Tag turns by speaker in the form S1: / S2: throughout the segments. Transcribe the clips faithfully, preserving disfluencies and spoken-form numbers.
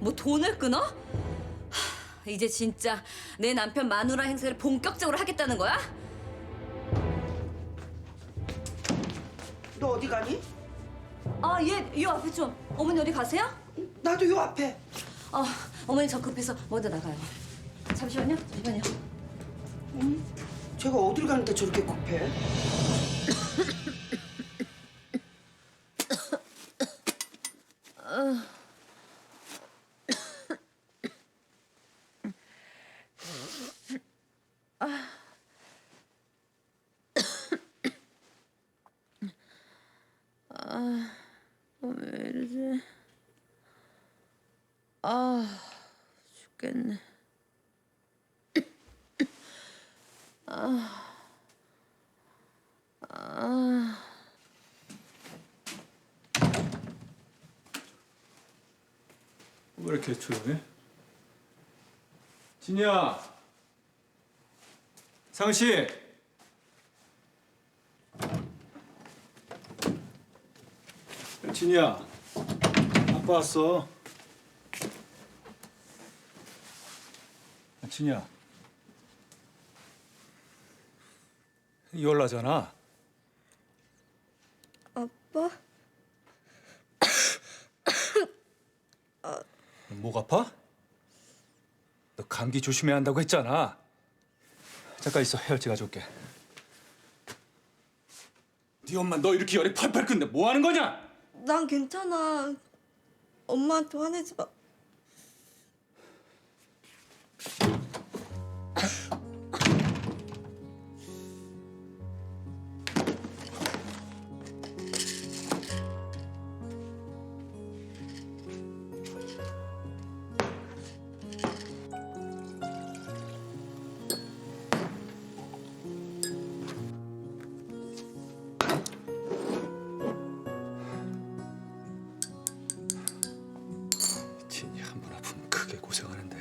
S1: 뭐 돈을 끊어? 하, 이제 진짜 내 남편 마누라 행세를 본격적으로 하겠다는 거야?
S2: 너 어디 가니?
S1: 아, 예, 요 앞에 좀. 어머니 어디 가세요?
S2: 나도 요 앞에.
S1: 아, 어머니 저 급해서 먼저 나가요. 잠시만요, 잠시만요.
S2: 제가 어딜 가는데 저렇게 급해?
S3: 왜 이러지? 아, 죽겠네. 아, 아.
S4: 왜 이렇게 조용해? 진이야! 상씨! 진이야, 아빠 왔어. 진이야, 열나잖아.
S3: 아빠?
S4: 목 아파? 너 감기 조심해야 한다고 했잖아. 잠깐 있어, 해열제 가져올게. 네 엄마 너 이렇게 열이 팔팔 끓는데 뭐 하는 거냐?
S3: 난 괜찮아. 엄마한테 화내지 마.
S4: 진이 한 번 아프면 크게 고생하는데.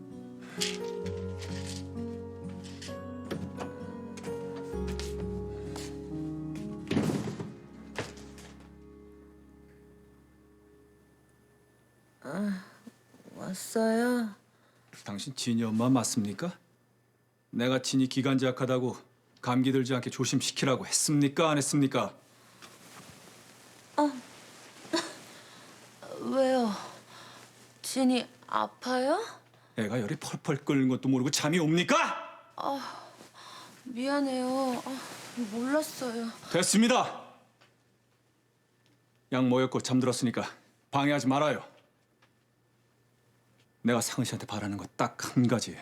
S3: 왔어요?
S4: 당신 진이 엄마 맞습니까? 내가 진이 기관지 약하다고 감기 들지 않게 조심시키라고 했습니까? 안 했습니까?
S3: 왜요? 진이 아파요?
S4: 애가 열이 펄펄 끓는 것도 모르고 잠이 옵니까?
S3: 미안해요. 아, 몰랐어요.
S4: 됐습니다. 약 모였고 잠들었으니까 방해하지 말아요. 내가 상은 씨한테 바라는 거 딱 한 가지.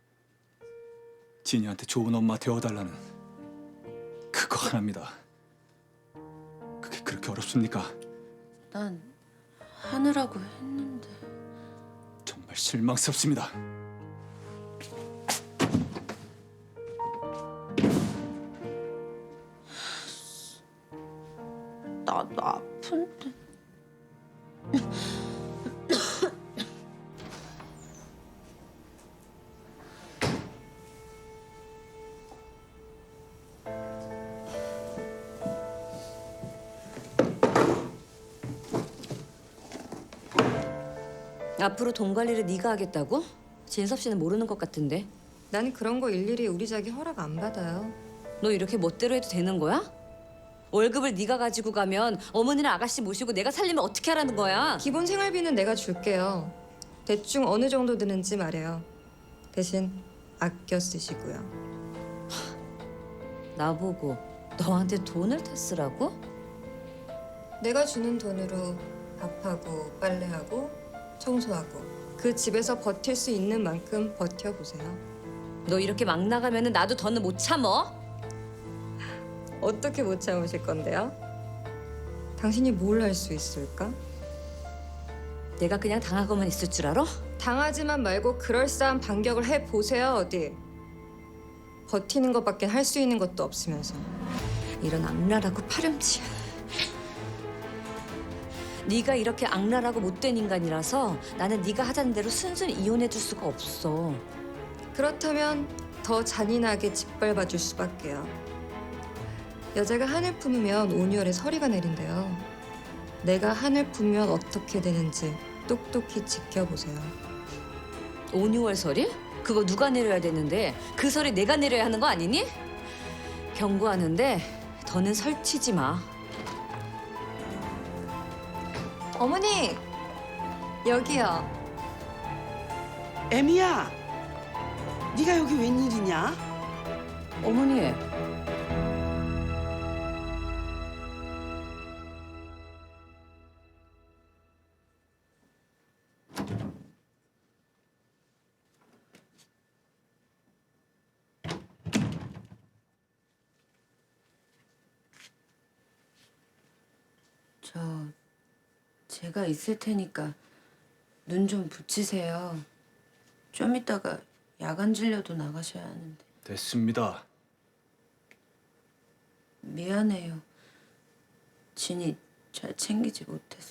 S4: 진이한테 좋은 엄마 되어달라는 그거 하나입니다. 그게 그렇게 어렵습니까?
S3: 난 하느라고 했는데.
S4: 정말 실망스럽습니다.
S3: 나도 아픈데.
S1: 앞으로 돈 관리를 네가 하겠다고? 진섭 씨는 모르는 것 같은데.
S5: 난 그런 거 일일이 우리 자기 허락 안 받아요.
S1: 너 이렇게 멋대로 해도 되는 거야? 월급을 네가 가지고 가면 어머니랑 아가씨 모시고 내가 살려면 어떻게 하라는 거야?
S5: 기본 생활비는 내가 줄게요. 대충 어느 정도 드는지 말해요. 대신 아껴 쓰시고요.
S1: 나보고 너한테 돈을 다 쓰라고?
S5: 내가 주는 돈으로 밥하고 빨래하고 청소하고 그 집에서 버틸 수 있는 만큼 버텨보세요.
S1: 너 이렇게 막 나가면 나도 더는 못 참어?
S5: 어떻게 못 참으실 건데요? 당신이 뭘 할 수 있을까?
S1: 내가 그냥 당하고만 있을 줄 알아?
S5: 당하지만 말고 그럴싸한 반격을 해보세요, 어디. 버티는 것밖에 할 수 있는 것도 없으면서.
S1: 이런 악랄하고 파렴치야. 네가 이렇게 악랄하고 못된 인간이라서 나는 네가 하자는 대로 순순히 이혼해줄 수가 없어.
S5: 그렇다면 더 잔인하게 짓밟아줄 수밖에요. 여자가 한을 품으면 온유월에 서리가 내린대요. 내가 한을 품으면 어떻게 되는지 똑똑히 지켜보세요.
S1: 오, 유월 설이? 그거 누가 내려야 되는데 그 설이 내가 내려야 하는 거 아니니? 경고하는데 더는 설치지 마.
S5: 어머니 여기요.
S2: 애미야, 네가 여기 웬일이냐?
S1: 어머니.
S3: 저 제가 있을 테니까 눈 좀 붙이세요. 좀 이따가 야간 진료도 나가셔야 하는데.
S4: 됐습니다.
S3: 미안해요. 진이 잘 챙기지 못해서.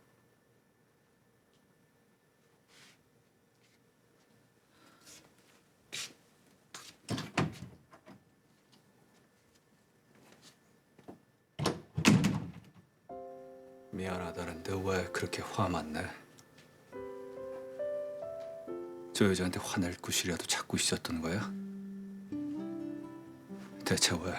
S4: 미안하다는데 왜 그렇게 화만 내? 저 여자한테 화낼 구실이라도 찾고 있었던 거야? 대체 왜?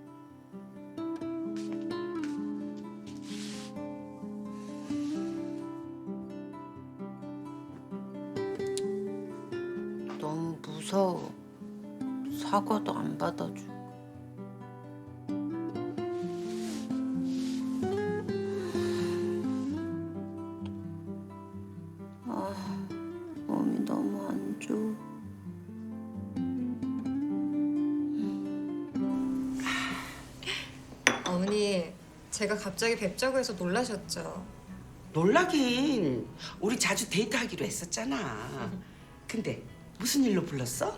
S3: 너무 무서워. 사과도 안 받아주고. 아, 몸이 너무 안 좋아.
S5: 어머니 제가 갑자기 뵙자고 해서 놀라셨죠?
S2: 놀라긴. 우리 자주 데이트하기로 했었잖아. 근데 무슨 일로 불렀어?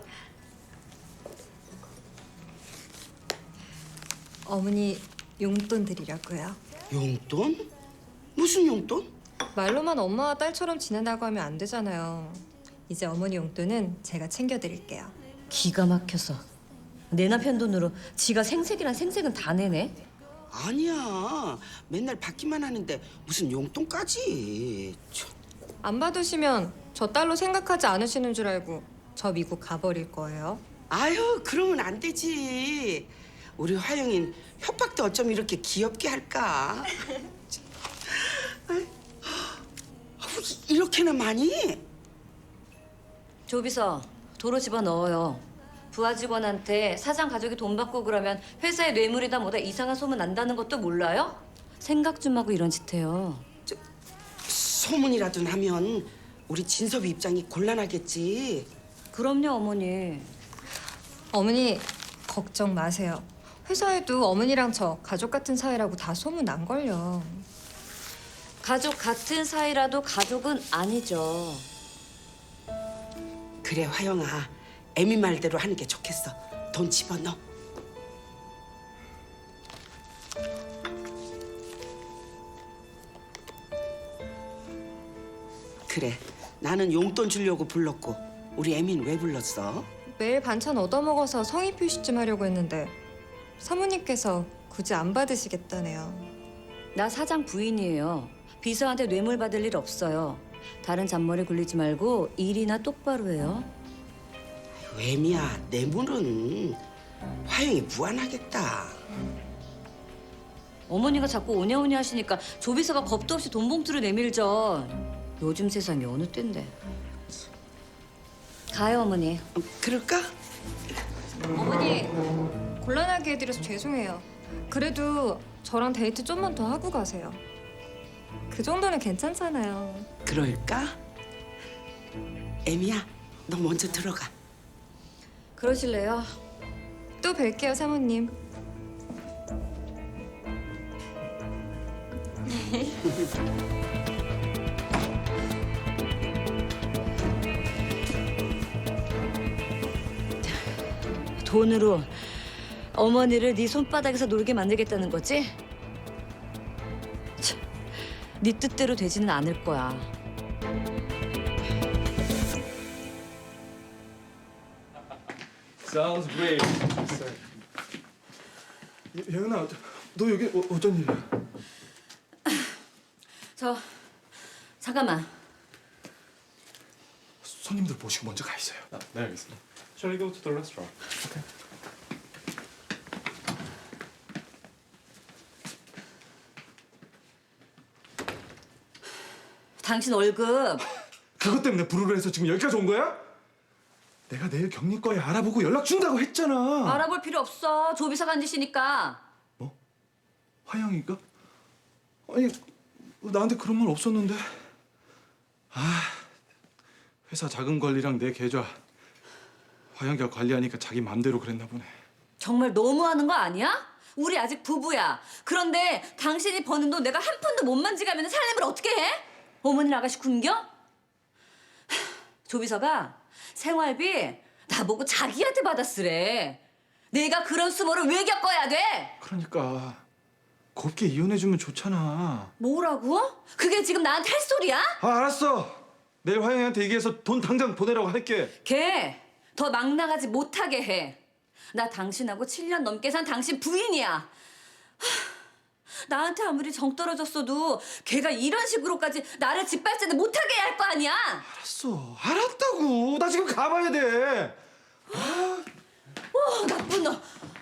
S5: 어머니 용돈 드리려고요.
S2: 용돈? 무슨 용돈?
S5: 말로만 엄마와 딸처럼 지낸다고 하면 안 되잖아요. 이제 어머니 용돈은 제가 챙겨드릴게요.
S1: 기가 막혀서 내 남편 돈으로 지가 생색이란 생색은 다 내네.
S2: 아니야. 맨날 받기만 하는데 무슨 용돈까지. 참.
S5: 안 받으시면 저 딸로 생각하지 않으시는 줄 알고 저 미국 가버릴 거예요.
S2: 아유, 그러면 안 되지. 우리 화영인 협박도 어쩜 이렇게 귀엽게 할까? 아이, 아우, 이렇게나 많이?
S1: 조비서 도로 집어 넣어요. 부하 직원한테 사장 가족이 돈 받고 그러면 회사에 뇌물이다 뭐다 이상한 소문 난다는 것도 몰라요? 생각 좀 하고 이런 짓 해요.
S2: 소문이라도 나면 우리 진섭이 입장이 곤란하겠지.
S1: 그럼요, 어머니.
S5: 어머니 걱정 마세요. 회사에도 어머니랑 저 가족 같은 사이라고 다 소문 난 걸요.
S1: 가족 같은 사이라도 가족은 아니죠.
S2: 그래, 화영아. 애미 말대로 하는 게 좋겠어. 돈 집어넣어. 그래, 나는 용돈 주려고 불렀고 우리 애미는 왜 불렀어?
S5: 매일 반찬 얻어먹어서 성의 표시 좀 하려고 했는데 사모님께서 굳이 안 받으시겠다네요.
S1: 나 사장 부인이에요. 비서한테 뇌물 받을 일 없어요. 다른 잔머리 굴리지 말고 일이나 똑바로 해요.
S2: 애미야, 뇌물은 화영이 무안하겠다.
S1: 어머니가 자꾸 오냐오냐 하시니까 조비서가 겁도 없이 돈 봉투를 내밀죠. 요즘 세상이 어느 때인데. 가요, 어머니.
S2: 어, 그럴까?
S5: 어머니 곤란하게 해드려서 죄송해요. 그래도 저랑 데이트 좀만 더 하고 가세요. 그 정도는 괜찮잖아요.
S2: 그럴까? 애미야, 너 먼저 들어가.
S1: 그러실래요?
S5: 또 뵐게요, 사모님.
S1: 돈으로 어머니를 네 손바닥에서 놀게 만들겠다는 거지? 참, 네 뜻대로 되지는 않을 거야.
S4: Sounds great.
S6: 영은아, 너 여기 어, 어쩐 일이야?
S1: 저 잠깐만.
S6: 손님들 모시고 먼저 가 있어요.
S7: 아, 네, 알겠습니다. Shall we go to the restaurant?
S1: 당신 월급
S6: 그것 때문에 부르르 해서 지금 여기까지 온 거야? 내가 내일 경리과에 알아보고 연락 준다고 했잖아.
S1: 알아볼 필요 없어. 조비서 간짓이니까.
S6: 뭐? 화영이가? 아니 나한테 그런 말 없었는데. 아 회사 자금 관리랑 내 계좌 화영이가 관리하니까 자기 맘대로 그랬나 보네.
S1: 정말 너무하는 거 아니야? 우리 아직 부부야. 그런데 당신이 버는 돈 내가 한 푼도 못 만지가면 살림을 어떻게 해? 어머니 아가씨 굶겨? 하, 조비서가 생활비 나보고 자기한테 받았으래. 내가 그런 수모를 왜 겪어야 돼?
S6: 그러니까 곱게 이혼해주면 좋잖아.
S1: 뭐라고? 그게 지금 나한테 할 소리야?
S6: 아 알았어. 내일 화영이한테 얘기해서 돈 당장 보내라고 할게.
S1: 걔 더 막 나가지 못하게 해. 나 당신하고 칠 년 넘게 산 당신 부인이야. 하, 나한테 아무리 정 떨어졌어도 걔가 이런 식으로까지 나를 짓밟지는 못하게 해야 할 거 아니야.
S6: 알았어. 알았다고. 나 지금 가봐야 돼.
S1: 와, 나쁜 놈.